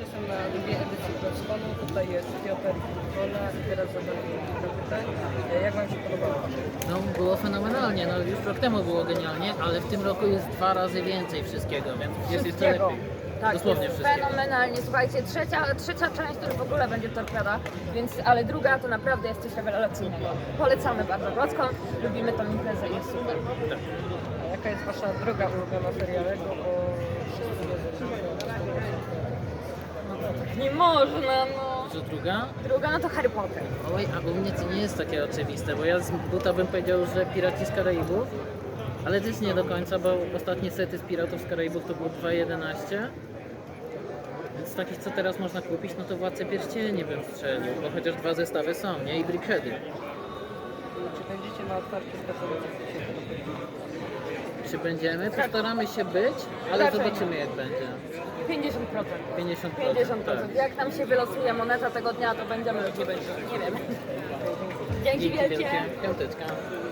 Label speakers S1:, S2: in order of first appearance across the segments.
S1: jestem na drugiej edycji Crossconu. Tutaj jest Piotr i Kola i teraz zadam kilka pytań. Jak Wam się podobało?
S2: No było fenomenalnie, no już rok temu było genialnie, ale w tym roku jest 2 razy więcej wszystkiego, więc jest jeszcze
S3: Wszystkiego.
S2: lepiej.
S3: Tak,
S2: Dosłownie
S3: jest
S2: wszystkiego.
S3: fenomenalnie. Słuchajcie, trzecia część to już w ogóle będzie torpeda, więc, ale druga to naprawdę jest coś rewelacyjnego. Polecamy bardzo Wrocław, lubimy tą imprezę i jest super.
S1: A jaka jest Wasza droga ulubiona serialego? Bo wszyscy wiedzą,
S3: No to tak nie można, no.
S2: Co druga?
S3: Druga no to Harry Potter.
S2: Oj, a u mnie to nie jest takie oczywiste, bo ja z buta bym powiedział, że Piraci z Karaibów, ale też nie do końca, bo ostatnie sety z Piratów z Karaibów to było 2.11. Więc z takich, co teraz można kupić, no to Władcę Pierścieni bym strzelił, bo chociaż 2 zestawy są, nie? I Brickheady.
S1: Czy będziecie na otwarciu z Katowice?
S2: Czy będziemy? Postaramy się być, ale
S3: Raczej
S2: zobaczymy jak będzie.
S3: 50%.
S2: 50%.
S3: 50%.
S2: Tak.
S3: Jak nam się wylosuje moneta tego dnia, to będziemy lub nie będziemy. Nie wiem. Dzięki wielkie.
S2: Piąteczka.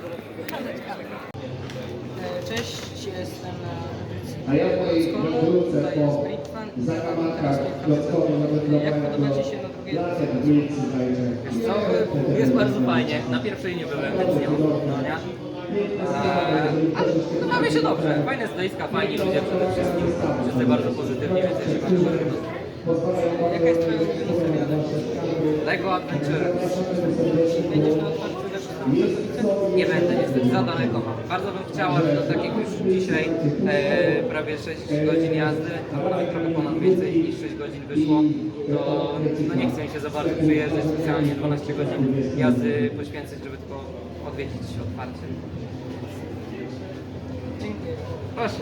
S1: Cześć, jestem na edycji
S4: A ja w mojej
S1: Crossconu.
S4: wrócę
S1: Tutaj jest
S4: po
S1: Britfan.
S4: zakamarkach Klockowej
S1: Jak podoba Ci się na drugiej edycji?
S4: Lasek Wilcy zajdzie.
S5: Co? Jest bardzo fajnie. Na pierwszej nie byłem, więc nie mam porównania. Ale no, bawię się dobrze. Fajne stoiska, fajni ludzie przede wszystkim. Wszyscy bardzo pozytywni, więc ja się bardzo dobrze.
S1: Jaka jest Twoja ulubiona serial?
S5: Lego Adventure.
S1: Będziesz na otwarciu też w Katowice?
S5: Nie będę niestety, za daleko mam. Bardzo bym chciał, ale do tak jak już dzisiaj prawie 6 godzin jazdy, albo nawet trochę ponad więcej niż 6 godzin wyszło, to no nie chcę mi się za bardzo przyjeżdżać specjalnie 12 godzin jazdy poświęcić, żeby tylko odwiedzić otwarcie.
S1: Dziękuję.
S5: Proszę.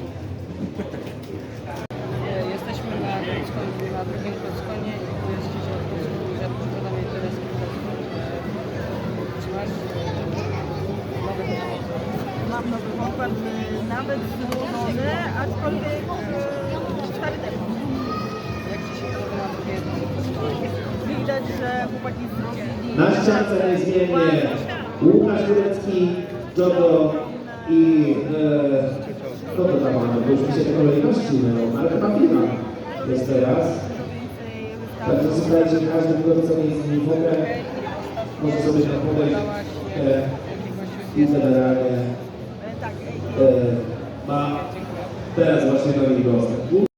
S1: Jesteśmy na drugim Crossconie i tu jest dzisiaj od ja posiadam interes kilka słów. Czy masz nowy pomysł?
S6: Mam nowy pokład, nawet złożony, aczkolwiek 4 temu.
S1: Jak Ci się podoba na drugiej edycji Crossconu?
S6: Widać, że chłopaki zrobili...
S4: Na ściance niezmiennie Łukasz Turecki, Jodo i kto to tam mamy, bo już mi się te kolejności mylą, ale chyba Pina jest teraz. Także słuchajcie, każdy kto co jest z nimi w ogóle może sobie tam podejść i generalnie
S6: Tak,
S4: ma teraz właśnie nowy dostęp.